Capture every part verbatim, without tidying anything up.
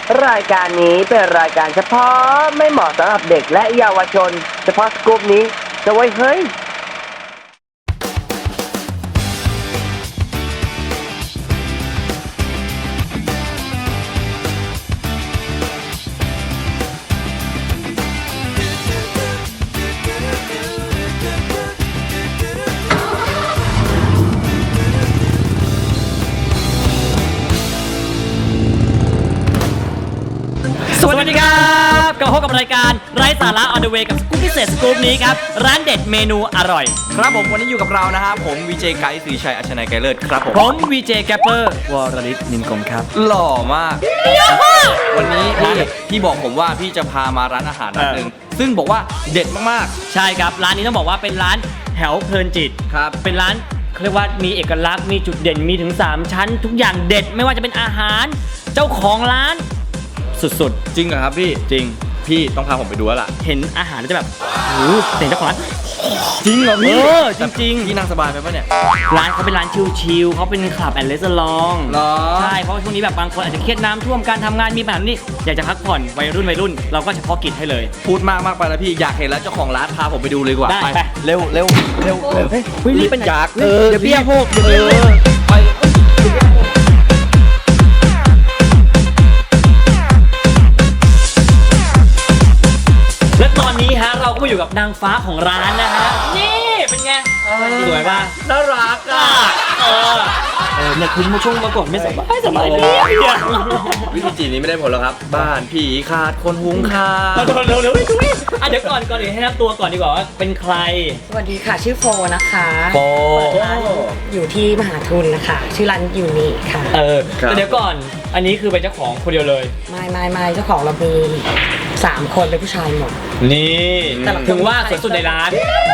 รายการนี้เป็นรายการเฉพาะไม่เหมาะสำหรับเด็กและเยาวชนเฉพาะสกู๊ปนี้จะไว้เฮ้ยสวัสดีครับกลับมาพบกับรายการไร้สาระ on the way กับสกู๊ปพิเศษสกู๊ปนี้ครับร้านเด็ดเมนูอร่อยครับผมวันนี้อยู่กับเรานะครับผมวีเจไกด์ศรีชัยอัชนัยไกรเลิศครับผมผมวีเจแกปเปอร์วรลิศนินกรมครับหล่อมากวันนี้พี่พี่บอกผมว่าพี่จะพามาร้านอาหารร้านหนึ่งซึ่งบอกว่าเด็ดมากๆใช่ครับร้านนี้ต้องบอกว่าเป็นร้านแถวเพลินจิตครับเป็นร้านเขาเรียกว่ามีเอกลักษณ์มีจุดเด่นมีถึงสามชั้นทุกอย่างเด็ดไม่ว่าจะเป็นอาหารเจ้าของร้านสุดๆจริงเหรอครับพี่จริงพี่ต้องพาผมไปดูแล้วล่ะเห็นอาหารแล้วจะแบบโอ้โหเสียงเจ้าของร้านจริงเหรอพี่เออจริงๆพี่นั่งสบายไหมปะเนี่ยร้านเขาเป็นร้านชิลๆเขาเป็นคลับแอนด์รีสอร์ทใช่เพราะช่วงนี้แบบบางคนอาจจะเครียดน้ำท่วมการทำงานมีปัญหานี่อยากจะพักผ่อนวัยรุ่นวัยรุ่นเราก็เฉพาะกิจให้เลยพูดมากมากไปแล้วพี่อยากเห็นแล้วเจ้าของร้านพาผมไปดูเลยดีกว่าได้ไปเร็วเร็วเร็วเฮ้ยรีบเป็นอยากเออเดี๋ยวเบี้ยพวกเออไปและตอนนี้ฮะเราก็มาอยู่กับนางฟ้าของร้านนะฮะนี่เป็นไงสวยป่ะน่ารักอ่ะเออเออเนี่ยคุณมาช่วงมาก่อนไม่สบายสบายเลยวิธีจีนนี้ไม่ได้ผลหรอกครับบ้านผีขาดคนหุงข้าวเร็วเร็วเร็วอ่ะเดี๋ยวก่อนก่อนอื่นให้นับตัวก่อนดีกว่าว่าเป็นใครสวัสดีค่ะชื่อโฟนะคะโฟอยู่ที่มหาทุนนะคะชื่อร้านยูนิค่ะเออแต่เดี๋ยวก่อนอันนี้คือเป็นเจ้าของคนเดียวเลยไม่ไม่ไม่เจ้าของเรามีสามคนเป็นผู้ชายหมดนี่ถึงว่าสวยสุดในร้าน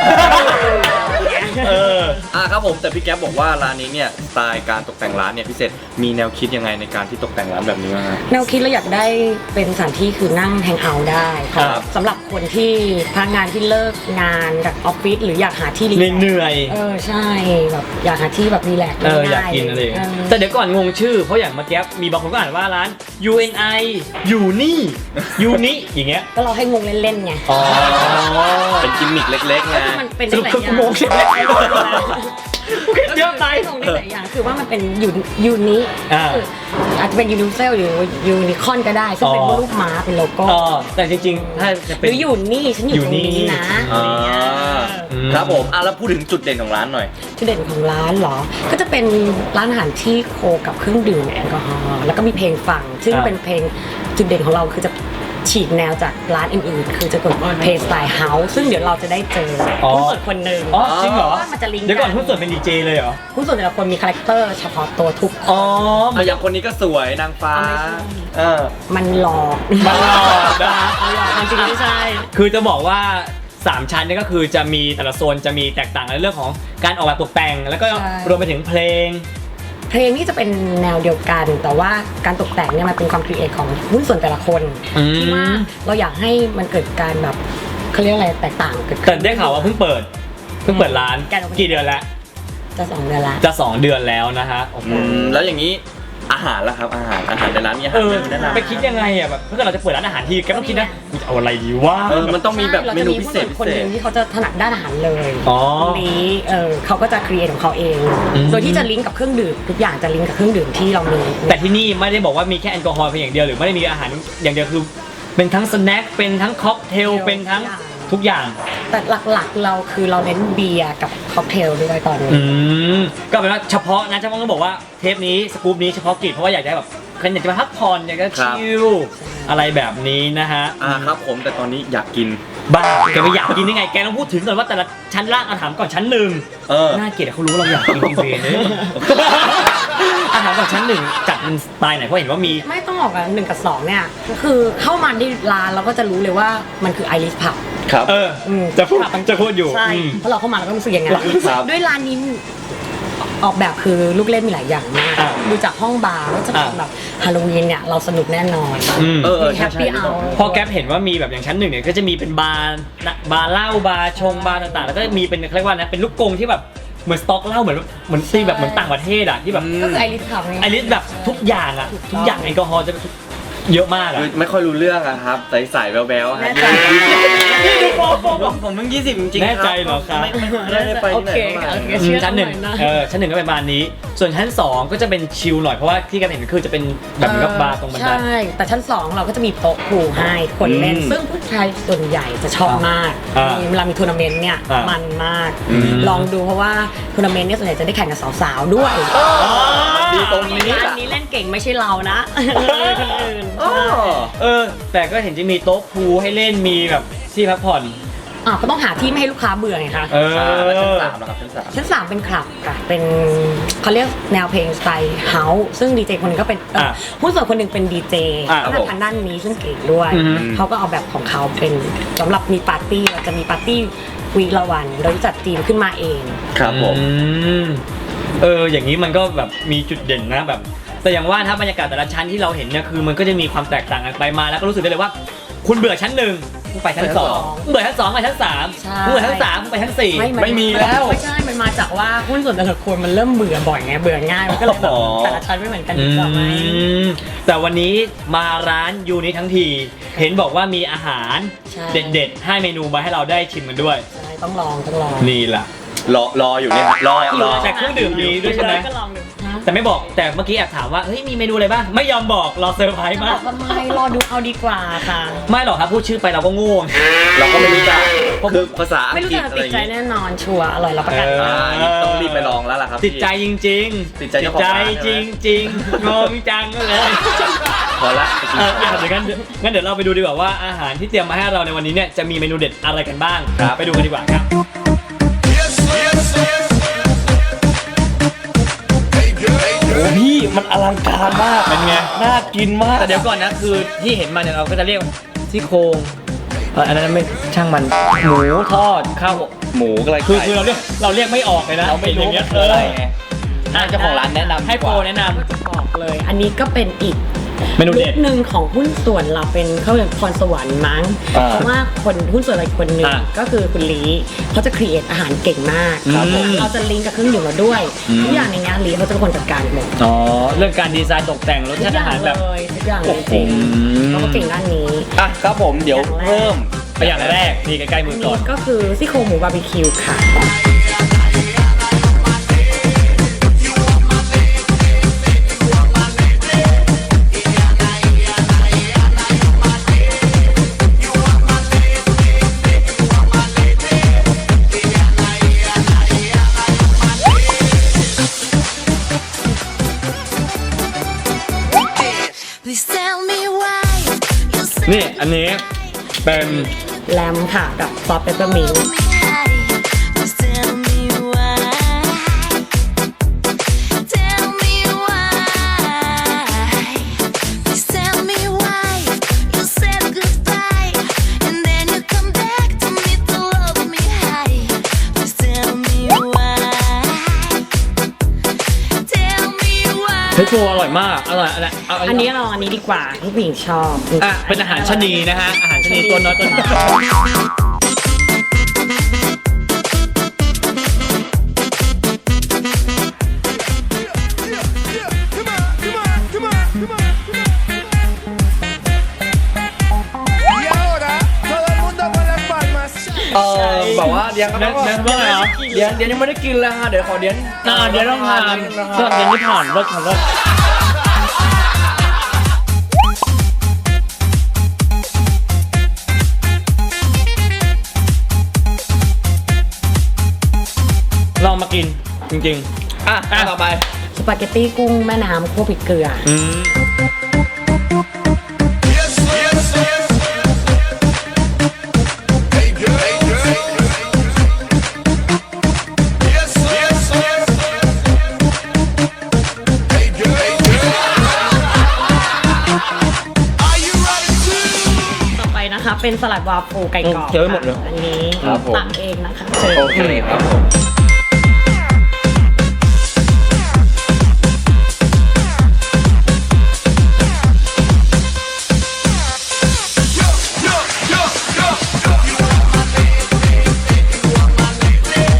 เอออ่ะครับผมแต่พี่แก๊ปบอกว่าร้านนี้เนี่ยสไตล์การตกแต่งร้านเนี่ยพิเศษมีแนวคิดยังไงในการที่ตกแต่งร้านแบบนี้บ้างครับแนวคิดเราอยากได้เป็นสถานที่คือนั่งแฮงเอาท์ได้ครับสำหรับคนที่พนักงานที่เลิกงานจากออฟฟิศหรืออยากหาที่รีแลกซ์เหนื่อยเออใช่แบบอยากหาที่แบบรีแลกซ์เอออยากกินอะไรแต่เดี๋ยวก่อนงงชื่อเพราะอย่างเมื่อกี้มีบางคนก็อ่านว่าร้าน ยู เอ็น ไอ อยู่นี่ยูนี่อย่างเงี้ยก็เราให้งงเล่นๆไงอ๋อเป็นกิมมิคเล็กๆไงมันเป็นหลายอย่างงงเล็กเยอะไปงงหลายอย่างคือว่ามันเป็นยูยูนิอาจจะเป็นยูนิเซลหรือยูนิคอนก็ได้ซึ่งเป็นรูปม้าเป็นโลโก้แต่จริงๆถ้าจะเป็นหรืออยู่นี่ฉันอยู่ตรงนี้นะครับผมอ่ะแล้วพูดถึงจุดเด่นของร้านหน่อยจุดเด่นของร้านเหรอก็จะเป็นร้านอาหารที่โคกับเครื่องดื่มแอลกอฮอล์แล้วก็มีเพลงฟังซึ่งเป็นเพลงจุดเด่นของเราคือจะฉีกแนวจากร้านอื่นๆคือจะกดเพลย์สไตล์เฮาส์ซึ่งเดี๋ยวเราจะได้เจอหุ้นส่วนคนหนึ่งอ๋อจริงเหรอมันจะลิงก์เดี๋ยวก่อนหุ้นส่วนเป็นดีเจเลยเหรอหุ้นส่วนแต่ละคนมีคาแรคเตอร์เฉพาะตัวทุกอ๋ออย่างคนนี้ก็สวยนางฟ้าเออมันหลอกมันหลอกนะมันจริงไม่ใช่คือจะบอกว่าสามชั้นนี่ก็คือจะมีแต่ละโซนจะมีแตกต่างในเรื่องของการออกแบบตกแต่งแล้วก็รวมไปถึงเพลงเพลงนี่จะเป็นแนวเดียวกันแต่ว่าการตกแต่งเนี่ยมันเป็นความครีเอทของหุ้นส่วนแต่ละคนที่ว่าเราอยากให้มันเกิดการแบบเขาเรียกอะไรแตกต่างเกิดขึ้นแต่ได้ข่าวว่าเพิ่งเปิดเพิ่งเปิดร้านกี่เดือนแล้วจะสองเดือนแล้วจะสองเดือนแล้วนะฮะแล้วอย่างนี้อาหารล่ะครับอาหารอาหารในร้านมีอาหารแนะนำไปคิดยังไงอ่ะแบบเพื่อเราจะเปิดร้านอาหารที่แกต้องคิดนะจะเอาอะไรดีวะเออมันต้องมีแบบเมนูพิเศษคนหนึ่งที่เขาจะถนัดด้านอาหารเลยอ๋อนี้เออเขาก็จะครีเอทของเขาเองโดยที่จะลิงก์กับเครื่องดื่มทุกอย่างจะลิงก์กับเครื่องดื่มที่เรามีแต่ที่นี่ไม่ได้บอกว่ามีแค่แอลกอฮอล์เพียงอย่างเดียวหรือไม่ได้มีอาหารอย่างเดียวคือเป็นทั้งสแน็คเป็นทั้งค็อกเทลเป็นทั้งทุกอย่างแต่หลักๆเราคือเราเน้นเบียร์กับค็อกเทลด้วยตอนนี้อืมก็เป็นว่าเฉพาะนะเฉพาะต้องบอกว่าเทปนี้สกู๊ปนี้เฉพาะกิจเพราะว่าอยากได้แบบใครอยากจะมาพักผ่อนอยากจะชิลอะไรแบบนี้นะฮะอ่าครับผมแต่ตอนนี้อยากกินบ้าแกไม่อยากกินยังไงแกต้องพูดถึงก่อนว่าแต่ละชั้นล่างอาถามก่อนชั้นหนึ่งเออน่าเกลียดเขารู้เราอยากกินจริงๆเลยอาถามก่อนชั้นหนึ่งจัดเป็นสไตล์ไหนเพราะเห็นว่ามีไม่ต้องออกอ่ะหนึ่งกับสองเนี่ยคือเข้ามาที่ร้านเราก็จะรู้เลยว่ามันคือไอริสผับครับเออจะพูดจะพูดอยู่ใช่เพราะเราเข้ามาเราก็รู้สึกอย่างนั้นด้วยร้านนี้ออกแบบคือลูกเล่นมีหลายอย่างมากดูจากห้องบาร์ก็จะเป็นแบบฮาโลวีนเนี่ยเราสนุกแน่นอนเออแฮปปี้เอาพอแก๊ปเห็นว่ามีแบบอย่างชั้นหนึ่งเนี่ยก็จะมีเป็นบาร์บาร์เหล้าบาร์ชงบาร์ต่างๆแล้วก็มีเป็นเรียกว่านะเป็นลูกกงที่แบบเหมือนสต็อกเหล้าเหมือนเหมือนตีแบบเหมือนต่างประเทศอ่ะที่แบบก็คือไอริสขับไอริสแบบทุกอย่างอ่ะทุกอย่างแอลกอฮอล์จะเยอะมากอะไม่ค่อยรู้เรื่องอะครับใสๆแบ๊วๆฮะแน่ใจนี่ดูโปรโปรผมผมเพิ่งยี่สิบจริงๆแน่ใจเหรอครับไม่ไม่ไม่ได้ไปโอที่ไหนเคมาโอเคอืมเชื่อชั้นหนึ่งหน่อยนะเออชั้นหนึ่งก็เป็นประมาณนี้ ส่วนชั้นสองก็จะเป็นชิลหน่อยเพราะว่าที่กันเห็นคือจะเป็นแบบเหมือนกับบาร์ตรงบันไดใช่ แต่ชั้นสองเราก็จะมีโต๊ะพูลให้คนเล่นอืมซึ่งผู้ชายส่วนใหญ่จะชอบมากอ่ามีเวลามีทัวร์นาเมนต์เนี่ยอ่ามัมันมากอืมลองดูเพราะว่าทัวร์นาเมนต์เนี่ยส่วนใหญ่จะได้แข่งกับสาวๆด้วยดีตรงนี้ร้านนี้เล่นเก่งไม่ใช่เรานะคนอื่นอ๋อเออ แต่ก็เห็นจะมีโต๊ะพูลให้เล่นมีแบบที่พักผ่อนอ่ะก็ต้องหาที่ไม่ให้ลูกค้าเบื่อไงคะเออแล้วชั้นสามนะครับชั้นสามชั้นสามเป็นคลับค่ะ เป็นเขาเรียกแนวเพลงสไตล์เฮาส์ซึ่งดีเจคนหนึงก็เป็นเอ่ออ่ะหุ้นส่วนคนหนึ่งเป็นดีเจอ่ะก็ทางด้านนี้ซึ่งเก่งด้วยอือฮึเขาก็เอาแบบของเขาเป็นสำหรับมีปาร์ตี้เราจะมีปาร์ตี้วีคละวันโดยจัดทีมขึ้นมาเองครับผมอืมเออ อย่างนี้มันก็แบบมีจุดเด่นนะแบบ แต่อย่างว่าถ้าบรรยากาศแต่ละชั้นที่เราเห็นเนี่ยคือมันก็จะมีความแตกต่างกันไปมาแล้วก็รู้สึกได้เลยว่า คุณเบื่อชั้นหนึ่งคุณไปชั้นสองเบื่อชั้นสองไปชั้นสามใช่คุณเบื่อชั้นสามคุณไปชั้นสี่ไม่ไม่มีแล้วไม่ใช่ มันมาจากว่าหุ้นส่วนแต่ละคนมันเริ่มเบื่อบ่อยไงเบื่อง่ายมันก็เลยแบบอ๋อแต่ละชั้นไม่เหมือนกันอืดีกว่าไหมมแต่วันนี้มาร้านยูนิทั้งที เห็นบอกว่ามีอาหารใช่เด็ดๆให้เมนูมาให้เราได้ชิมกันด้วยใช่ต้องลองต้องลองนี่ล่ะรอรออยู่เนี่ยรอรอแต่เครื่องดื่มมีด้วยใช่ไหมก็ลองดูฮะแต่ไม่บอกแต่เมื่อกี้แอบถามว่าเฮ้ยมีเมนูอะไรบ้างไม่ยอมบอกรอเซอร์ไพรส์บมาอก กทำไมรอดูเอาดีกว่าค่ะไม่หรอกครับพูดชื่อไปเราก็ง่วงเราก็ไม่รู้จักคือภาษาอัไม่งรู้กฤษจะอะไรติอดย่างใจงี้แน่นอนชัวร์อร่อยรับประกันเออ่านี่ต้องรีบไปลองแล้วล่ะครับติดใจจริงๆติดใจเจ้าของใจร้านจใช่ริไหงมจริงๆงงจังเลยพอละไปกินเออข้าวเดี๋ยวงั้นงั้นเดี๋ยวเราไปดูดีกว่าว่าอาหารที่เตรียมมาให้เราในวันนี้เนี่ยจะมีเมนูเด็ดอะไรกันบ้างครับไปดูกันดีกว่าครับโอ้พี่มันอลังการมากเป็นไงน่ากินมากแต่เดี๋ยวก่อนนะคือที่เห็นมาเนี่ยเราก็จะเรียกซี่โครงเอออันนั้นไม่ช่างมันหมูทอดข้าวหมูอะไรคือคือเราเรียกเราเรียกไม่ออกเลยนะเราไม่รู้ห็นอย่างเงี้ยคืออะไรไงอ่ะเจ้าของร้านแนะนำให้โปรแนะนก็จะบอกเลย อันนี้ก็เป็นอีกเมนูเด็ดลุคหนึ่งของหุ้นส่วนเราเป็นเขาเรียกพรสวรรค์มั้งอ่าเพราะว่าคนหุ้นส่วนอะไรคนหนึ่งอ่าก็คือคุณลีเขาจะครีเอทอาหารเก่งมากครับผมเราจะลิงก์กับเครื่องดื่มเราด้วยอืมทุกอย่างในนี้ลีเขาจะเป็นคนจัดการหมดำอ๋อเรื่องการดีไซน์ตกแต่งรสทุชาก ติออาย่างหารเลแบบยทุกอย่างเลยจริงอืมเขาก็เก่งด้านนี้อ่ะครับผมเดี๋ยวเริ่มไปอย่างแรกนี่ใกล้ๆมือก่อนนี่ก็คือซี่โครงหมูบาร์บีคิวค่ะ Please tell me why you say นี่อันนี้เป็นแลมค่ะกับซอสเปปเปอร์มินต์ hi. Please tell me why. Tell me why. Please tell me why you said goodbye and then you come back to me to love me high. Please tell me why. Tell me why. เฮ้ยโปรอร่อยมากอร่อยอะไรเอาอันนี้เราอันนี้ดีกว่าที่ผู้หญิงชอบอ่ะเป็นอาหารชะนีนะฮะอาหารชะนีตัวน้อยตัวน้อยเออแบบว่าเดี๋ยวเดี๋ยวเดี๋ยวว่าไงเหรอเดี๋ยวเดี๋ยวยังไม่ได้กินเลยฮะเดี๋ยวขอเดี๋ยวอ่าเดี๋ยวต้องทานนิดนึงนะเพื่อฮะเดี๋ยวนี้ผ่านเลิกผ่านเลิกลองมากินจริงอ่ะอ่ะต่อไปสปาเกตตี้กุ้งแม่น้ำคั่วพริกเกลือๆอืมต่อไปนะคะเป็นสลัดวาฟเฟิลไก่กรอบเคี้ยวให้หมดเลยค่ะอันนี้ครับผมตักเองนะคะเชิญโอเคครับผม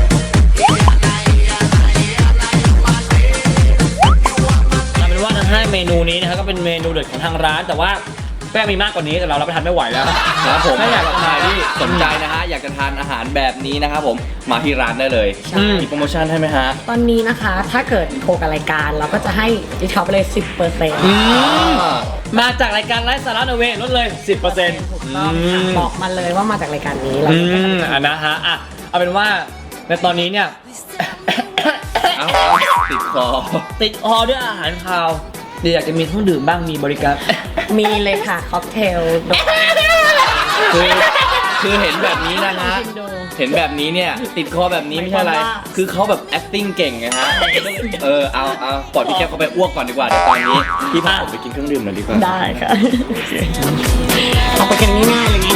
เอาเป็นว่าจะให้เมนูนี้นะครับก็เป็นเมนูเด็ดของทางร้านแต่ว่าแป้งมีมากกว่านี้แต่เรารับประทานไม่ไหวแล้วครับผมถ้าอยากใครที่สนใจนะฮะอยากจะทานอาหารแบบนี้นะครับผมมาที่ร้านได้เลยใช่มีโปรโมชั่นให้ไหมฮะตอนนี้นะคะถ้าเกิดโทรกับรายการเราก็จะให้ดิสคาวไปเลย สิบเปอร์เซ็นต์มาจากรายการไลฟ์สาระนเวลดเลย สิบเปอร์เซ็นต์ต้องค่ะบอกมาเลยว่ามาจากรายการนี้เราอืจะให้มอ่ะนะฮะอ่ะเอาเป็นว่าในตอนนี้เนี่ยเอาเอาติดคอติดคอด้วยอาหารคาวเดี๋ยวอยากจะมีเครื่องดื่มบ้างมีบริการมีเลยค่ะค็อกเทลคือคือเห็นแบบนี้นะฮะชิมดูเห็นแบบนี้เนี่ยติดคอแบบนี้ไม่ใช่อะไรหมายความว่าคือเขาแบบ acting เก่งไงฮะ เออเอาเอาปล่อยพี่แก้วเขาไปอ้วกก่อนดีกว่าเดี๋ยวตอนนี้พี่พาผมไปกินเครื่องดื่มหน่อยดีกว่าได้ค่ะเอาไปกันง่ายๆเลยไง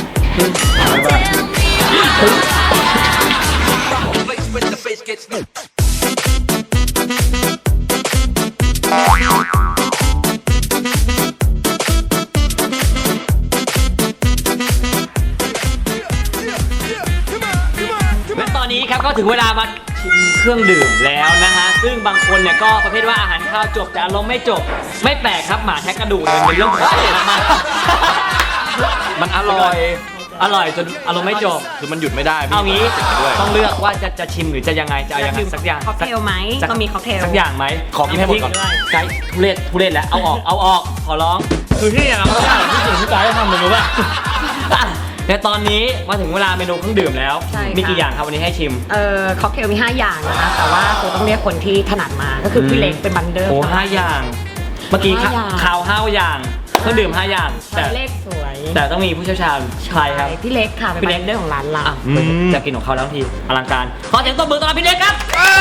และตอนนี้ครับก็ถึงเวลามาชิมเครื่องดื่มแล้วนะฮะซึ่งบางคนเนี่ยก็ประเภทว่าอาหารข้าวจบแต่อารมณ์ไม่จบ ไม่แปลกครับหมาแทะกระดูกเนี่ยเป็นเรื่องปกติมากๆมันอร่อยอร่อยจนอารมณ์ไม่จบคือมันหยุดไม่ได้พี่เอางี้ติดมาด้วยต้องเลือกว่าจะจะชิมหรือจะยังไงจะเอายังไงสักอย่างค็อกเทลไหมสักก็มีค็อกเทลสักอย่างไหมขอกินให้หมดก่อนไกด์ทุเรศทุเรศแล้วเอาออกเอาออกขอร้องคือที่อย่างเราไม่ได้ที่สิ่งที่ไกด์ทำเลยรู้ป่ะอ่ะในตอนนี้มาถึงเวลาเมนูเครื่องดื่มแล้วใช่ค่ะมีกี่อย่างครับวันนี้ให้ชิมเอ่อค็อกเทลมีห้าอย่างนะคะแต่ว่าคือต้องเรียกคนที่ถนัดมาก็คือพี่เล็กเป็นบันเดอร์โอ้ห้าอย่าง เมื่อกี้ห้าอย่างข่าวห้าอย่างเครื่องดื่มห้าอย่างแต่แต่เลขสวยแต่ต้องมีผู้เชี่ยวชาญใครครับพี่เล็กค่ะเป็นพี่เล็บักนเดอร์ของร้านเราอ่ะจะกินของเขาแล้วทีอลังการขอเสียงตบมือต้อนรับพี่เล็กครับ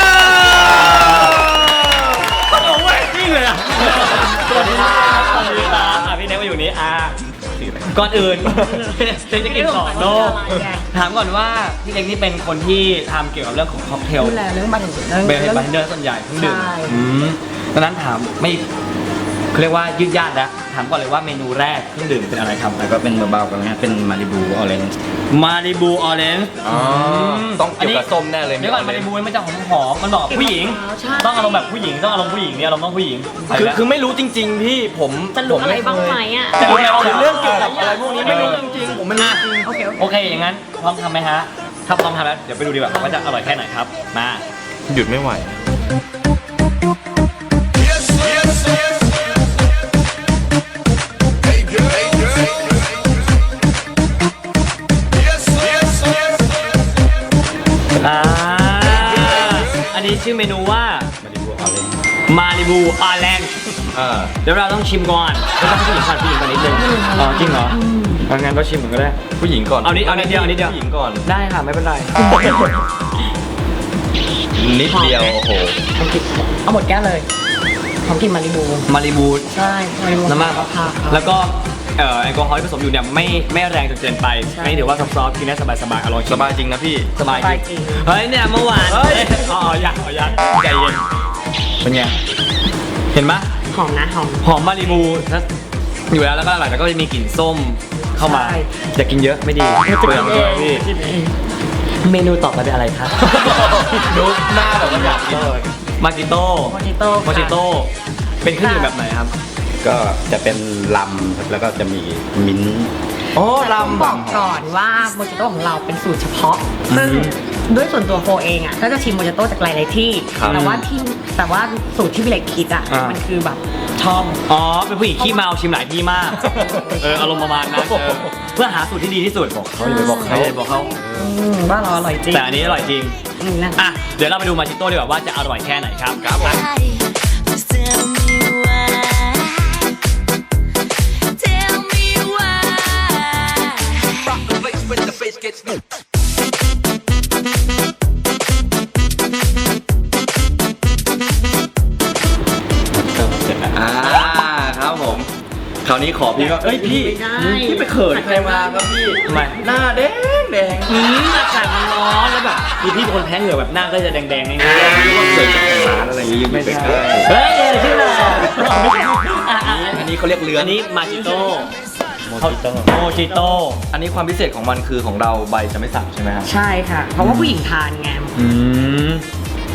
โอ้โหจริงเลยอ่ะสวัสดีครับสวัสดีครับอ่ะพี่เล็กมาอยู่นี้อ่ะก่อนอื่นเล็กจะกินต่อโลกถามก่อนว่าพี่เล็กนี่เป็นคนที่ทำเกี่ยวกับเรื่องของค็อกเทลดูแลเรื่องบันเดอร์เป็นบาร์เทนเดอร์ส่วนใหญ่เครื่องดื่มใช่อืมดังนั้นถามไม่เขาเรียกว่ายืดยาดนะถามก่อนเลยว่าเมนูแรกเครื่องดื่มเป็นอะไรครับแล้วก็เป็นเบาๆกันนะเป็นมาริบูออเรนจ์มาริบูออเรนจ์อ๋อต้องเกี่ยวกับส้มแน่เลยเดี๋ยวก่อนมาริบูมันจะหอมๆมันบอกกับผู้หญิงใช่ต้องอารมณ์แบบผู้หญิงต้องอารมณ์ผู้หญิงเนี่ยอารมณ์ต้องผู้หญิงคือคือไม่รู้จริง ๆ พี่ผมจะรู้อะไรบ้างไหมอ่ะจะรู้อะไรบ้างคือเรื่องเกี่ยวกับอะไรพวกนี้ไม่รู้จริงๆผมไม่รู้อ่ะจริงโอเคโอเคโอเคอย่างนั้นพร้อมทำไหมฮะถ้าพร้อมทำแล้วเดี๋ยวไปดูดีกว่าว่าจะอร่อยแค่ไหนครับมาหยุดไม่ไหวอ่าอันนี้ชื่อเมนูว่ามาริบูออเรนจ์อ่าเดี๋ยวเราต้องชิมก่อนไม่ต้องผู้หญิงก่อนผู้หญิงก่อนนิดนึงอ๋อจริงเหรองั้นก็ชิมก่อนก็ได้ผู้หญิงก่อนเอานิดเอานิดเดียวเอานิดเดียวผู้หญิงก่อนได้ค่ะไม่เป็นไรนิดเดียวโอ้โหหอมกลิ่นเอาหมดแก้วเลยหอมกลิ่นมาริบูมาริบูใช่มาริบูน้ำมันค่ะแล้วก็เอ่อแอลกอฮอล์ที่ผสมอยู่เนี่ยไม่ไม่แรงจนเกินไปใช่ไม่ถือว่าซอฟๆกินได้สบายๆอร่อยสบายจริงนะพี่สบายสบายจจริริงงเฮ้ยเนี่ยเมื่อวานเฮ้ยอ๋อยังอ๋อยังใจเย็นเป็นไงเห็นไหมหอมนะหอมหอมมาริบูนะอยู่แล้วแล้วก็อร่อยแล้วก็จะมีกลิ่นส้มเข้ามาใช่อย่ากินเยอะไม่ดีเปลืองด้วยพี่เมนูต่อไปเป็นอะไรครับดูหน้าแบบว่าอยากกินมาจิโต้โมจิโต้โมจิโต้เป็นเครื่องดื่มแบบไหนครับก็จะเป็นลำครับแล้วก็จะมีมิ้นท์อ๋อต้องลำบอกก่อนว่าโมจิโต้ของเราเป็นสูตรเฉพาะ ซึ่งด้วยส่วนตัวโฟเองอ่ะก็จะชิมโมจิโต้จากหลายๆที่ แต่ว่าที่แต่ว่าสูตรที่พี่เล็กคิดอ่ะอ่ามัมันคือแบบชอบอ๋อเป็นผู้หญิงขี้เมาชิมหลายที่มากเอออารมณ์ประมาณนั้นเออเพื่อหาสูตรที่ดีที่สุดบอกเขาอย่าไปบอกเขาอย่าไปบอกเขาอืมว่าเราอร่อยจริงแต่อันนี้อร่อยจริงอืมนั่นอ่ะเดี๋ยวเราไปดูมาจิโต้ดีกว่าว่าจะอร่อยแค่ไหนครับครับผม Please tell me why. Tell me why. อ่าครับผม คราวนี้ขอพี่ว่าเอ้ยพี่ไม่ได้พี่ไปเขินใครมาครับพี่ทำไมหน้าแดงแดงอืมอากาศมันร้อนแล้วแบบคือพี่เป็นคนแพ้เหงื่อแบบหน้าก็จะแดงๆง่ายเกิดจากร้านอะไรอย่างงี้ไม่ใช่ๆเฮ้ยเออชื่ออะไรอ่ะอ่ะอ่ะอันนี้เขาเรียกเรืออัอันนี้มาจิโต้โมจิโต้โมจิโต้อันนี้ความพิเศษของมันคือของเราใบจะไม่สั่งใช่ไหมครับใช่ค่ะ เพราะว่าผู้หญิงทานไงอืม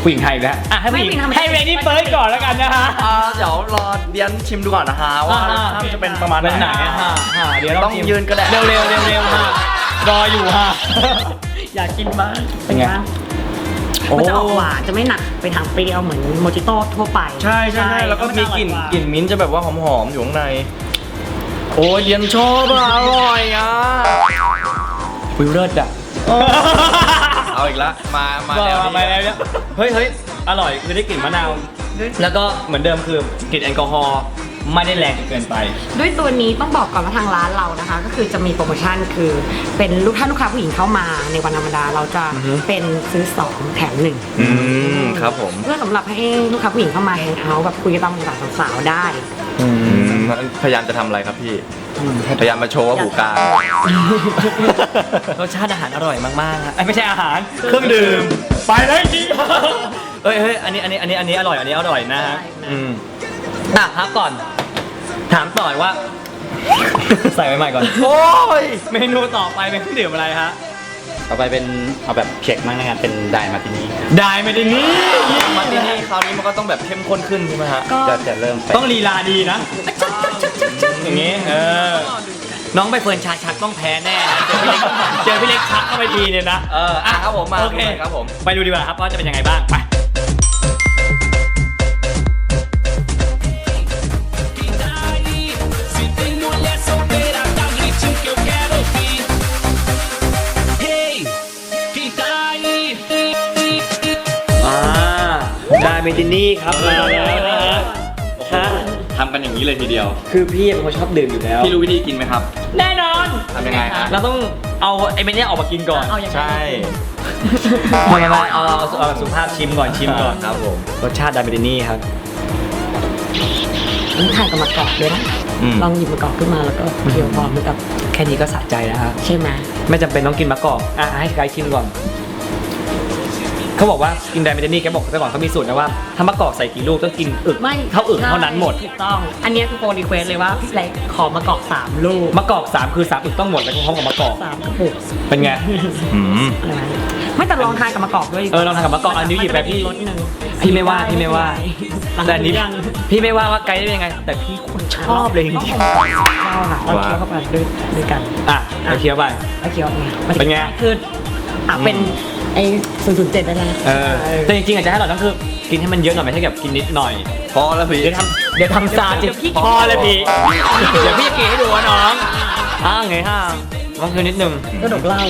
ผู้หญิงไทยอีกแล้วอ่ะให้ผู้หญิงไม่ผู้หญิงทำไมให้เรนนี่เฟิร์สก่อนแล้วกันนะฮะอ่าเดี๋ยวรอเดียนชิมดูก่อนนะฮะว่าอ่าถ้ามันจะเป็นประมาณเป็นไหนไหนอะฮะฮะเดี๋ยวเราต้องชิมยืนก็ได้เร็วเร็วเร็วเร็วฮะรออยู่ฮะอยากกินบ้างเป็นไงมันจะออกหวานจะไม่หนักไปทางเปรี้ยวเหมือนโมจิโต้ทั่วไปใช่ใช่ใช่แล้วก็มีกลิ่นกลิ่นมิ้นท์จะแบบว่าหอมๆอยู่ข้างใน โอ้ยเดียนชอบอะอร่อยอ่ะวิวเลิศอ่ะเอาอีกละมามามาแล้วมาแล้วเนี่ยเฮ้ยเฮ้ยอร่อยคือได้กลิ่นมะนาว แล้วก็เหมือนเดิมคือกลิ่นแอลกอฮอล์ไม่ได้แรงจนเกินไปด้วยตัวนี้ต้องบอกก่อนว่าทางร้านเรานะคะ ก็คือจะมีโปรโมชั่นคือเป็นลูกถ้าลูกค้าผู้หญิงเข้ามาในวันธรรมดาเราจะอือฮึเป็นซื้อสองแถมหนึ่งอืมครับผมเพื่อสำหรับให้ลูกค้าผู้หญิงเข้ามาแฮงเอาท์แบบคุยกันตามภาษาสาวๆได้อืมพยายามจะทำอะไรครับพี่ พยายามมาโชว์ว่าหูกลางรสชาติอาหารอร่อยมากๆฮะเอ้ยไม่ใช่อาหารเครื่องดื่มไปเลยจริงเฮ้ยเฮ้ยอันนี้อันนี้อันนี้อันนี้อร่อยอันนี้อร่อยนะฮะอืมอ่ะพักก่อน ถามต่อว่า ใส่ไว้ใหม่ก่อนโอ้ยเมนูต่อไปเป็นเครื่องดื่มอะไรฮะต่อไปเป็นเอาแบบเช็คมั้งนะครับเป็นไดมาตินี้ได้ไม่ได้นี่มาที่นี่คราวนี้มันก็ต้องแบบเข้มข้นขึ้นใช่ไหมฮะก็จะจะเริ่มไปต้องลีลาดีนะอย่างงี้เออน้องใบเฟิร์นชาชักต้องแพ้แน่นะเจอพี่เล็กเจอพี่เล็กชักเข้าไปทีเนี่ยนะเอออ่ะครับผมมาโอเคครับผมไปดูดีกว่าครับว่าจะเป็นยังไงบ้างไป อ่าได้เมตินี่ครับมาแล้วนะฮะฮะทำกันอย่างนี้เลยทีเดียวคือพี่เป็นคนชอบดื่มอยู่แล้วพี่รู้วิธีกินไหมครับแน่นอนทำยังไงฮะเราต้องเอาไอ้เมนี่ออกมากินก่อนเอาอย่างใช่ไม่ไม่ไม่เอาเอาเอาเอาสุภาพชิมก่อนชิมก่อนครับผมรสชาติไดเมตินี่ครับต้องทานกับมะกอกด้วยนะอืมลองหยิบมะกอกขึ้นมาแล้วก็เคี่ยวพร้อมกับแค่นี้ก็สะใจแล้วครับใช่ไหมไม่จำเป็นต้องกินมะกอกอ่ะให้ไกด์ชิมก่อนเขาบอกว่ากินไดเมตินี่แกบอกแต่ก่อนเขามีสูตรนะว่าถ้ามะกอกใส่กี่ลูกต้องกินอึกไม่เท่าอึกเท่านั้นหมดถูกต้อง อันนี้คือโปรรีเควสเลยว่าพี่เล็กขอมะกอกสามลูกมะกอกสามคือสามอึกต้องหมดแล้วพร้อมกับมะกอกสามกระปุกเป็นไงอืมอะไรนะไม่แต่ลองทานกับมะกอกด้วยเออลองทานกับมะกอกอันนี้หยิบไปพี่รสหนึ่งพี่ไม่ว่าพี่ไม่ว่าหลังแต่อันนี้ยังพี่ไม่ว่าว่าไกด์ได้ยังไง แต่พี่คนชอบเลยจริงชอบค่ะเราเคี้ยวเข้าไปด้วยด้วยกันๆอ่ะไปเคี้ยวไปแล้วเคี้ยวไงเป็นไงคืออ่ะเป็นไอ้ศูนย์ศูนย์เจ็ดได้แล้วนะเออแต่จริงๆอาจจะให้เราต้องคือกินให้มันเยอะหน่อยไม่ใช่แบบกินนิดหน่อยพอแล้วพี่เดี๋ยวทำเดี๋ยวทำซาจิพอเลยพี่เดี๋ยวพี่จะกินให้ดูว่าน้องอ้าวไงห้าต้องคือนิดนึงก็ดกเหล้า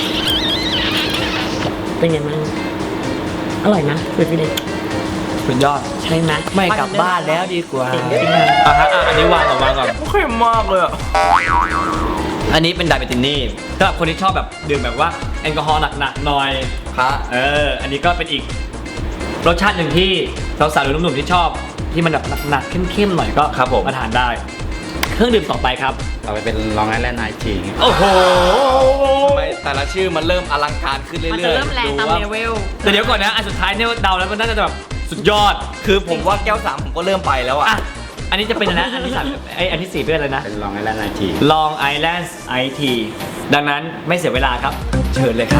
เป็นไงบ้างอร่อยนะเป็นพี่เล็กสุดยอดใช่ไหมไม่กลับบ้านแล้วดีกว่าจริงจริงอ่ะฮะอ่ะอันนี้วางก่อนวางก่อนเข้มมากเลยอ่ะอันนี้เป็นไดเมตินี่สำหรับคนที่ชอบแบบดื่มแบบว่าแอลกอฮอล์หนักๆหน่อยฮะเออ อันนี้ก็เป็นอีกรสชาติหนึ่งที่สาวๆหรือหนุ่มๆที่ชอบที่มันแบบหนักๆเข้มๆหน่อยก็ครับผมมาทานได้ เครื่องดื่มต่อไปครับต่อไปเป็นลองไอแลนด์ไอทีโอ้โหไม่แต่ละชื่อมันเริ่มอลังการขึ้นเรื่อยๆมันจะเริ่มแรงตามดูว่าเลเวลแต่เดี๋ยวก่อนนะ อันสุดท้ายเนี่ยเดาแล้วมันน่าจะแบบสุดยอดคือผมว่าแก้วสามผมก็เริ่มไปแล้วอ่ะอ่ะ อันนี้จะเป็นอะไรนะ อันที่สามไออันที่สี่เป็นอะไรนะเป็นลองไอแลนด์ไอที Long Island ไอ ที ดังนั้นไม่เสียเวลาครับ เชิญเลยครับ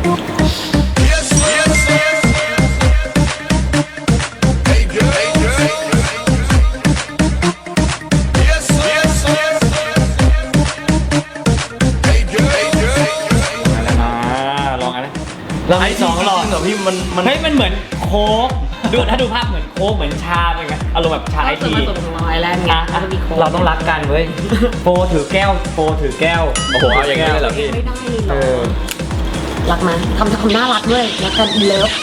อ่าลองอันนะลองอันที่สองลองจริเหรอพี่มันมันเฮ้ยมันเหมือนโค้กดูถ้าดูภาพเหมือนโค้กเหมือนชาเป็นไงอารมณ์แบบชาไอก็คือทีผสมของลอยแลนด์ไงอ่ะแล้วก็มีโค้กเราต้องรักกันเว้ยโฟถือแก้วโฟถือแก้วโอ้โหเอาอย่างนี้เลยเหรอพี่ไม่ได้หรเอออรักไหมทำทำน่ารักด้วยรักกันเลิฟ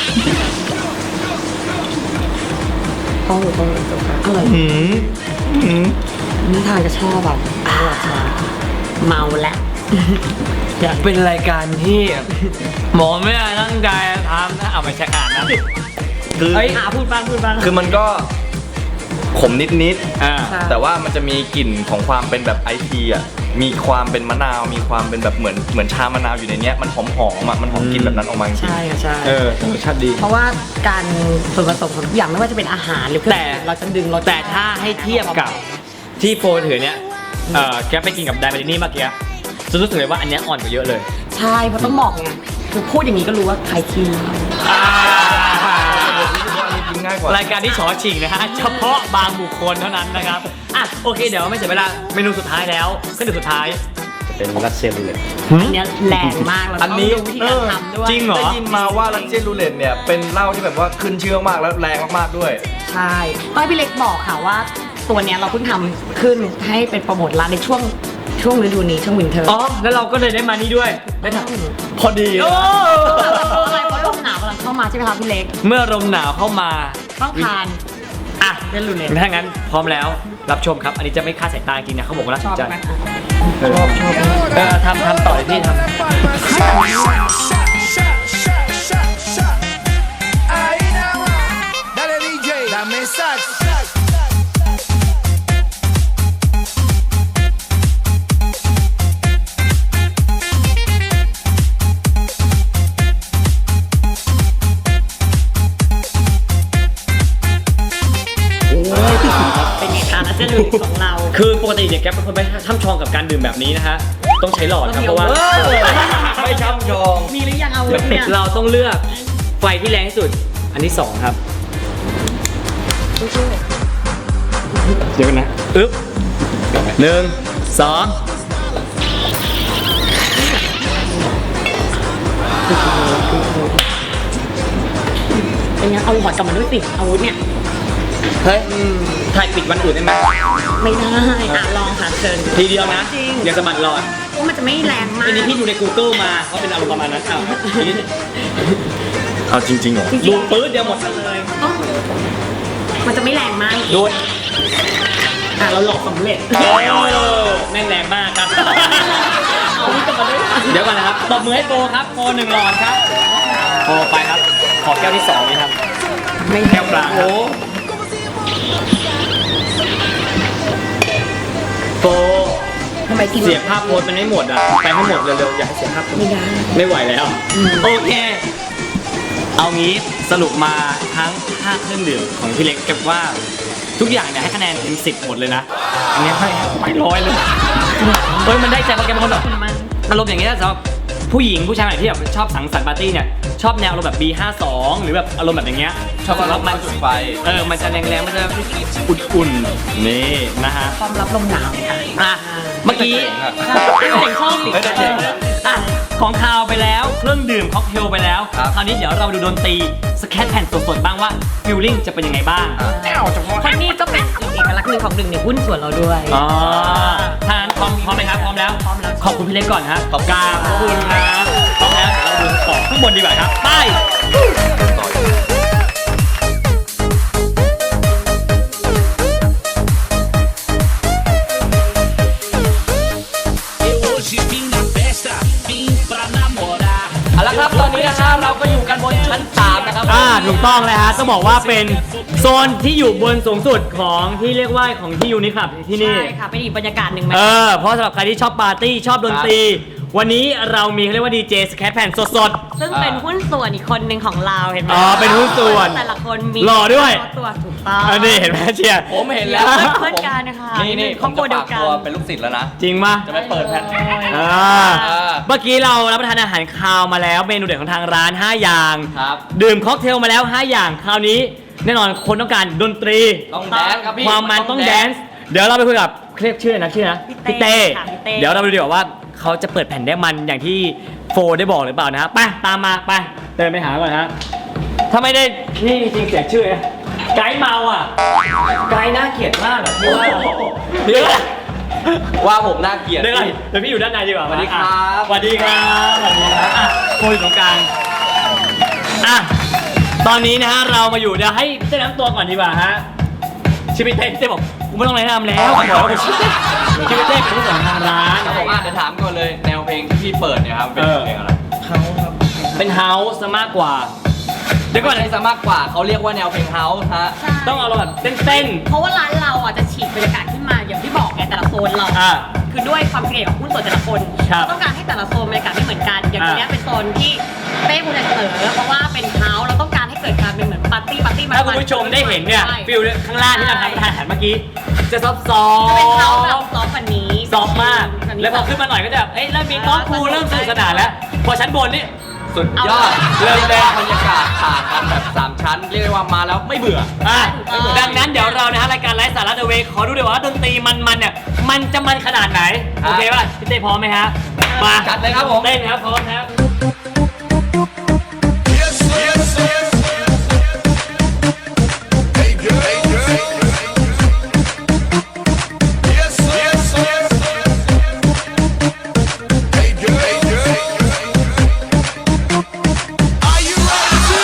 ต้องต้องอร่อยหืมหืมนี่ทานจะชอบแบบอร่อยชาเมาแล้วอยากเป็นรายการที่หมอไม่ได้ตั้งใจทำนะเอาไปแชร์อ่านนะคือเฮ้ยหาพูดบ้างพูดบ้างคือมันก็ขมนิดอ่าๆแต่ว่ามันจะมีกลิ่นของความเป็นแบบไอทีอ่ะมีความเป็นมะนาวมีความเป็นแบบเหมือนเหมือนชามะนาวอยู่ในเนี้ยมันหอมหอมๆอ่ะมันหอมกลิ่นแบบนั้นออกมาจริงใช่ค่ะใช่เออรสชาติดีเพราะว่าการส่วนผสมของทุกอย่างไม่ว่าจะเป็นอาหารหรือเครื่องแต่เราจะดึงรสแต่ถ้าให้เทียบกับที่โฟถือเนี่ยเออแกไปกินกับไดเมตินี่เมื่อกี้จะรู้สึกเลยว่าอันเนี้ยอ่อนกว่าเยอะเลยใช่เพราะต้องบอกไงคือพูดอย่างนี้ก็รู้ว่าใครคิวอ่าง่ายกว่ารายการที่ฉอฉิงนะฮะเฉพาะบางบุคคลเท่านั้นนะครับอ่ะโอเคเดี๋ยวไม่เสียเวลาเมนูสุดท้ายแล้วขึ้นถึงสุดท้ายเป็นรัสเซียรูเล็ตอันเนี้ยแรงมากแล้วอันนี้ต้องดูวิธีการทำด้วยจริงเหรอได้ยินมาว่ารัสเซียนรูเล็ตเนี่ยเป็นเหล้าที่แบบว่าขึ้นชื่อมากแล้วแรงมากๆด้วยใช่ต้องให้พี่เล็กบอกค่ะว่าตัวเนี้ยเราเพิ่งทำขึ้นให้เป็นโปรโมทร้านในช่วงช่วงฤดูนี้ช่วงวินเทอร์อ๋อแล้วเราก็เลยได้มานี่ด้วยได้ทำพอดีเลยเพราะอะไรเพราะลมหนาวกำลังเข้ามาใช่ไหมคะพี่เล็กเมื่อลมหนาวเข้ามาต้องทานอ่ะเล่นรูเล็ตถ้างั้นพร้อมแล้วรับชมครับ อันนี้จะไม่คาดสายตาจริงนะเขาบอกว่าน่าชสอน บใจไหมชอบชอบเออทำทำต่อเลยพี่ทำ Dale D J, dame sax. เป็นไงคะแล้วเส้นรูเล็ตของเราคือปกติเนี่ยแกเป็นคนไม่ช่ำชองกับการดื่มแบบนี้นะฮะต้องใช้หลอดครับเพราะว่าไม่ช่ำชองมีหรือยังเอาวุธเนี่ยเราต้องเลือกไฟที่แรงที่สุด อันที่สองครับเดี๋ยวกันนะอึ๊บหนึ่งสองเป็นไงเอาหอดกลับมาด้วยสิอาวุธเนี่ยเฮ้ยถ่ายปิดวันอื่นได้ไหมไม่ได้อ่ะลองค่ะเชิญทีเดียวนะจริงอย่าสะบัดหลอดเพราะมันจะไม่แรงมากอันนี้พี่ดูใน Google มาเขาเป็นอารมณ์ประมาณนั้นอ้าวทีนี้เอาจริงๆเหรอดูปื๊ดเดียวหมดเลยอ๋อมันจะไม่แรงมากดูอ่ะเราหลอกสำเร็จโอ้แม่งแรงมากครับเอาวุธกลับมาด้วยเดี๋ยวก่อนนะครับตบมือให้โปครับโปหนึ่งหลอดครับโปไปครับ ขอแก้วที่สองนี่ครับไม่แก้วกลางครับโปทำไมกินเสียภาพโพสมันไม่หมดอ่ะไปให้หมดเร็วๆอย่าให้เสียภาพไม่ได้ไม่ไหวแล้ว โอเค เอางี้สรุปมาทั้งห้าเครื่องดื่มของพี่เล็กเก็บว่าทุกอย่างเนี่ยให้คะแนนเต็มสิบหมดเลยนะ อันนี้ให้ไม่ร้อยเลยเฮ้ยมันได้ใจเพราะแกเป็นคนแบบอารมณ์อย่างเงี้ยสำหรับผู้หญิงผู้ชายไหนที่แบบชอบสังสรรค์ปาร์ตี้เนี่ยชอบแนวอารมณ์แบบ บี ห้าสิบสอง หรือแบบอารมณ์แบบอย่างเงี้ยชอบอารมณ์มันจุดไฟเออมันจะแรงๆมันจะอุ่นๆนี่นะฮะความรับลมหนาวค่ะอ่ะเมื่อกี้เสียงชอบเฮ้ยแต่เจ๋งอะอ่ะของคาวไปแล้วเครื่องดื่มค็อกเทลไปแล้วครับคราวนี้เดี๋ยวเรามาดูดนตรีสแคตแผ่นสดๆบ้างว่าฟิลลิ่งจะเป็นยังไงบ้างคนนี้ก็เป็นอีกเอกลักษณ์หนึ่งของหนึ่งในหุ้นส่วนเราด้วยอ๋อถ้างั้นพร้อมพร้อมไหมครับพร้อมแล้วพร้อมแล้วขอบคุณพี่เล็กก่อนฮะขอบคุณขอบคุณครับพร้อมแล้วเดี๋ยวเราดูต่อข้างบนดีกว่าครับไป เอาละครับตอนนี้นะครับเราก็อยู่กันบนชั้นสามนะครับอ่าถูกต้องเลยฮะต้องบอกว่าเป็นโซนที่อยู่บนสูงสุดของที่เรียกว่าของที่ยูนิคลับที่นี่ใช่ค่ะเป็นอีกบรรยากาศหนึ่งไหมเออเพราะสำหรับใครที่ชอบปาร์ตี้ชอบดนตรี วันนี้เรามีเขาเรียกว่าดีเจสแคทแผ่นสดซึ่งเป็นหุ้นส่วนอีกคนหนึ่งของเราเห็นไหมอ๋อเป็นหุ้นส่วนแต่ละคนมีหล่อด้วยตัวถูกต้องๆอันนี้เห็นไหมเชียร์ผมเห็นแล้วเพื่อนกันนะคะนี่นี่คผรอบมครัวจะเดียฝาว กกันตัวเป็นลูกศิษย์แล้วนะจริงปะจะไปเปิดแผ่นอ่าเมื่อกี้เรารับประทานอาหารคาวมาแล้วเมนูเด็ดของทางร้าน ห้า อย่างครับดื่มค็อกเทลมาแล้ว ห้า อย่างคราวนี้แน่นอนคนต้องการดนตรีต้องแดนซ์ครับพี่ความมันต้องแดนซ์เดี๋ยวเราไปคุยกับเรียกชื่ออะไรนะชื่อนะพี่เต้พี่เต้ค่ะพี่เต้เดี๋ยวเราไปดูดีกว่าว่าเขาจะเปิดแผ่นได้มันอย่างที่โฟได้บอกหรือเปล่านะฮะไปตามมาไปเดินไปหาก่อนฮะถ้าไม่ได้นี่จริงเสียชื่อนะไกด์เมาอ่ะไกด์น่าเกลียดมากแบบที่ว่าเดี๋ยวว่าผมน่าเกลียดเดี๋ยวก่อนเดี๋ยวพี่อยู่ด้านในดีกว่าสวัสดีครับสวัสดีครับสวัสดีครับอ่ะโคอยู่ตรงกลางอ่ะตอนนี้นะฮะเรามาอยู่เดี๋ยวให้พี่เต้แนะนำตัวก่อนดีกว่าฮะชื่อพี่เต้พี่เต้บอกกูไม่ต้องแนะนำแล้วขอบอกว่าชื่อเต้ชื่อพี่เต้เป็นผู้จัดทางร้านครับผมอ่ะเดี๋ยวถามก่อนเลยแนวเพลงที่พี่เปิดเนี่ยครับเป็นเออเพลงอะไรเป็นเฮาส์ซะมากกว่าเดี๋ยวก่อนไม่ใช่ซะมากกว่าเขาเรียกว่าแนวเพลงเฮาส์ฮะใช่ต้องเอาเราแบบเต้นเพราะว่าร้านเราอ่ะจะฉีกบรรยากาศขึ้นมาอย่างที่บอกไงแต่ละโซนเราๆอ่ะคือด้วยความเกลียดของหุ้นส่วนแต่ละคนครับเราต้องการให้แต่ละโซนบรรยากาศไม่เหมือนกัน อย่างอ่าเนี้ยเป็นโซนที่เป้คุณจะเสนอเพราะว่าเป็นเฮาส์เราต้องการให้เกิดการเป็นเหมือนปาร์ตี้ปาร์ตี้ถ้าคุณผู้ชมได้เห็นเนี่ยใช่ฟิลข้างล่างที่เราทำทานอาหารเมื่อกี้จะซอฟซอจะเป็นเฮาส์แบบฟซอฟต์กว่านี้ซอฟต์มาก แล้วพอขึ้นมาหน่อยก็จะแบบเอ้ยเริ่มมีโต๊ะครูเริ่มสนุกสนานแล้ว พอชั้นบนนี่สุดยอดเริ่มแรกบรรยากาศผ่านกันแบบสามชั้นเรียกได้ว่ามาแล้วไม่เบื่ออ่ะดังนั้นเดี๋ยวเรานะฮะรายการไลฟ์สาระเดอะเวย์ขอดูดีกว่าว่าดนตรีมันๆเนี่ยมันจะมันขนาดไหนครัโอบ เคป่ะพี่เต้พร้อมไหมฮะมาจัดเลยครับผมเต้นครับพร้อมครับ Yes, yes, yes. Hey, girl, hey, girl. Yes, yes, yes. Hey, girl, hey, girl. Are you ready?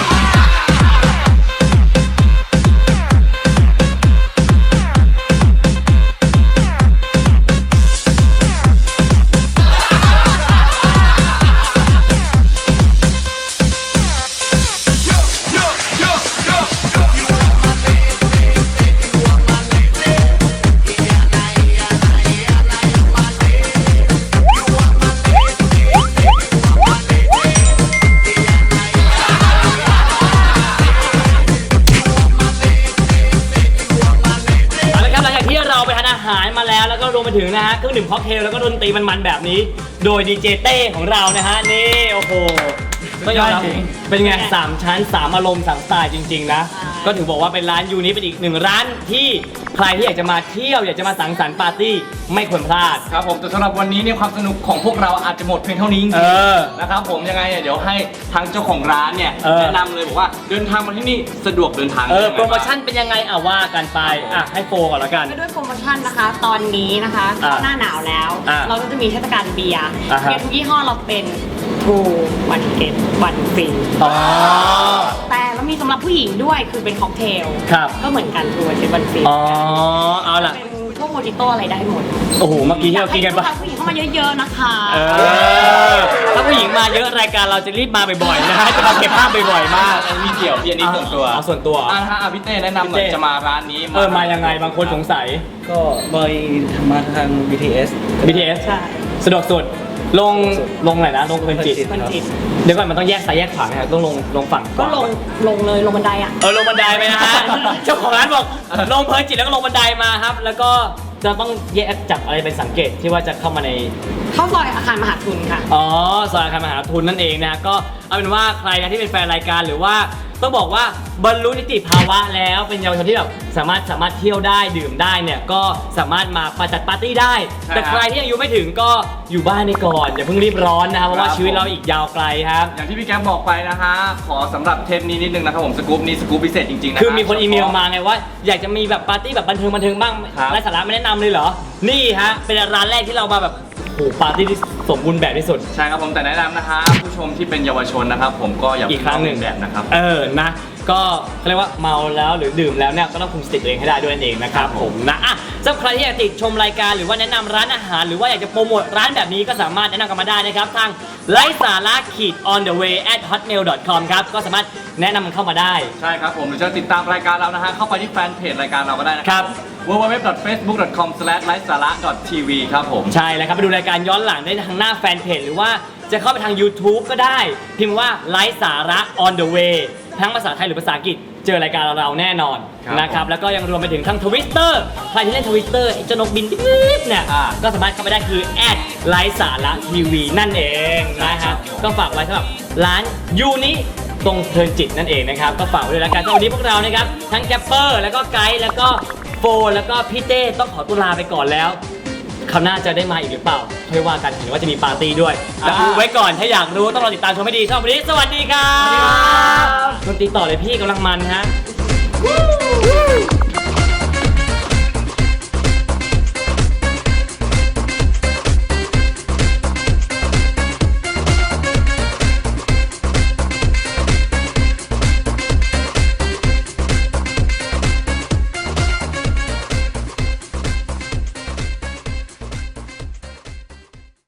เอาละครับหลังจากที่เราไปทานอาหารมาแล้วแล้วก็รวมไปถึงนะฮะเครื่องดื่มค็อกเทลแล้วก็ดนตรีมันๆแบบนี้ โดยดีเจเต้ของเรานะฮะนี่โอ้โหก็ยอมรับเป็นไงสามชั้นสามอารมณ์สามสไตล์จริงๆนะก็ถือบอกว่าเป็นร้านยูนี้เป็นอีกหนึ่งร้านที่ใครที่อยากจะมาเที่ยวอยากจะมาสังสรรค์ปาร์ตี้ไม่ควรพลาดครับผมแต่สำหรับวันนี้เนี่ยความสนุกของพวกเราอาจจะหมดเพียงเท่านี้จริงเออๆนะครับผมยังไงเนี่ยเดี๋ยวให้ทางเจ้าของร้านเนี่ยเออแนะนำเลยบอกว่าเดินทางมาที่นี่สะดวกเดินทางเออยังไงโปรโมชั่นเป็นยังไงอ่ะว่ากันไปอ่ะให้โฟก่อนแล้วกันก็ด้วยโปรโมชั่นนะคะ ตอนนี้นะคะอ่าหน้าหนาวแล้วอ่าเราก็จะมีเทศกาลเบียร์อ่าฮะเบียร์ทุกยี่ห้อเราเป็นทูวันเก็ตวันฟรีอ๋อแต่แล้วมีสำหรับผู้หญิงด้วยคือเป็นค็อกเทลครับก็เหมือนกันทูวันเก็ตวันฟรีอ๋อเอาล่ะเป็นพวกโมจิโต้อะไรได้หมดโอ้โหเมื่อกี้ที่เรากินกันปะอยาให้ผู้หญิงเข้ามาเยอะๆนะคะเออถ้าผู้หญิงมาเยอะรายการเราจะรีบมาบ่อยๆนะฮะจะมาเก็บภาพบ่อยๆมากอันนี้ไม่เกี่ยวพี่อันนี้ส่วนตัวเอาส่วนตัวอ่ะฮะอ่ะพี่เต้แนะนำหน่อยพี่เต้จะมาร้านนี้เออมายังไงบางคนสงสัยก็บอยมาทาง บี ที เอสบี ที เอสใช่สะดวกสุดลงลงไหนนะลงเป็นจิตมันจิตเดี๋ยวก่อนมันต้องแยกซ้ายแยกขวาไหมครับต้องลงลงฝั่งขก็วาลงลงเลยลงบันไดอ่ะเออลงบันไดไปนะฮะ เจ้าของร้านบอกลงเพลินจิตแล้วก็ลงบันไดมาครับ แล้วก็จะต้องแยกจับอะไรเป็นสังเกตที่ว่าจะเข้ามาในเข้าซอยอาคารมหาทุนค่ะอ๋อซอยอาคารมหาทุนนั่นเองนะ ก็เอาเป็นว่าใครนะที่เป็นแฟนรายการหรือว่าต้องบอกว่าบรรลุนิติภาวะแล้วเป็นเยาวชนที่แบบสามารถสามารถเที่ยวได้ดื่มได้เนี่ยก็สามารถมาประจัดปาร์ตี้ได้ใช่แต่ใครที่อายุไม่ถึงก็อยู่บ้านไปก่อนอย่าเพิ่งรีบร้อนนะครับเพราะว่าครับชีวิตเราอีกยาวไกลครับอย่างที่พี่แก๊ปบอกไปนะฮะขอสำหรับเทปนี้นิดนึงนะครับผมสกู๊ปนี้สกู๊ปพิเศษจริงๆนะคือมีคนอีเมลมาไงว่าอยากจะมีแบบปาร์ตี้แบบบันเทิงบันเทิงบ้างครับไร้สาระไม่แนะนำเลยเหรอนี่ฮะเป็นร้านแรกที่เรามาแบบโอ้โหปาร์ตี้ที่สมบูรณ์แบบที่สุดใช่ครับผมแต่แนะนำนะฮะผู้ชมที่เป็นเยาวชนนะครับผมก็อย่าอีกครั้งหนึ่งแบบนะครับเออ นะ ก็เขาเรียกว่าเมาแล้วหรือดื่มแล้วเนี่ยก็ต้องคุมสติตัวเองให้ได้ด้วยนั่นเองนะครับผมนะอ่ะสำหรับใครที่อยากติดชมรายการหรือว่าแนะนำร้านอาหาร หรือว่าอยากจะโปรโมทร้านแบบนี้ก็สามารถแนะนำกันมาได้นะครับทางไลฟ์สาระขีด on the way at hotmail dot com ครับก็สามารถแนะนำมันเข้ามาได้ใช่ครับผมหรือจะติดตามรายการเรานะฮะเข้าไปที่แฟนเพจรายการเราก็ได้นะคครัรับ ดับ ดับเบิลยู ดับเบิลยู ดับเบิลยู ดอท เฟซบุ๊ก ดอท คอม สแลช ไลฟ์สาระ ดอท ที วี ครับผมใช่แล้วครับไปดูรายการย้อนหลังได้ทางหน้าแฟนเพจหรือว่าจะเข้าไปทาง YouTube ก็ได้ พิมพ์ว่าไลฟ์สาระ on the way ทั้งภาษาไทยหรือภาษาอังกฤษเจอรายการเราแน่นอนครับนะครับแล้วก็ยังรวมไปถึงทั้ง Twitter ใครที่เล่น Twitter ไอ้เจ้านกบินนิดๆเนี่ยอ่าก็สามารถเข้าไปได้คือแอดไลฟ์สาระทีวีนั่นเองนะฮะก็ฝากไว้สำหรับร้านยูนี้ตรงเพลินจิตนั่นเองนะครับก็ฝากไว้ด้วยแล้วกันสำหรับวันนี้พวกเรานะครับทั้งแกปเปอร์แล้วก็ไกด์แล้วก็โฟแล้วก็พี่เต้ต้องขอตัวลาไปก่อนแล้ว คราวหน้าจะได้มาอีกหรือเปล่าค่อยว่ากันเห็นว่าจะมีปาร์ตี้ด้วยแต่ดูไว้ก่อนถ้าอยากรู้ต้องรอติดตามชมให้ดีสำหรับวันนี้สวัสดีครับดนตรีต่อเลยพี่กำลังมันฮะ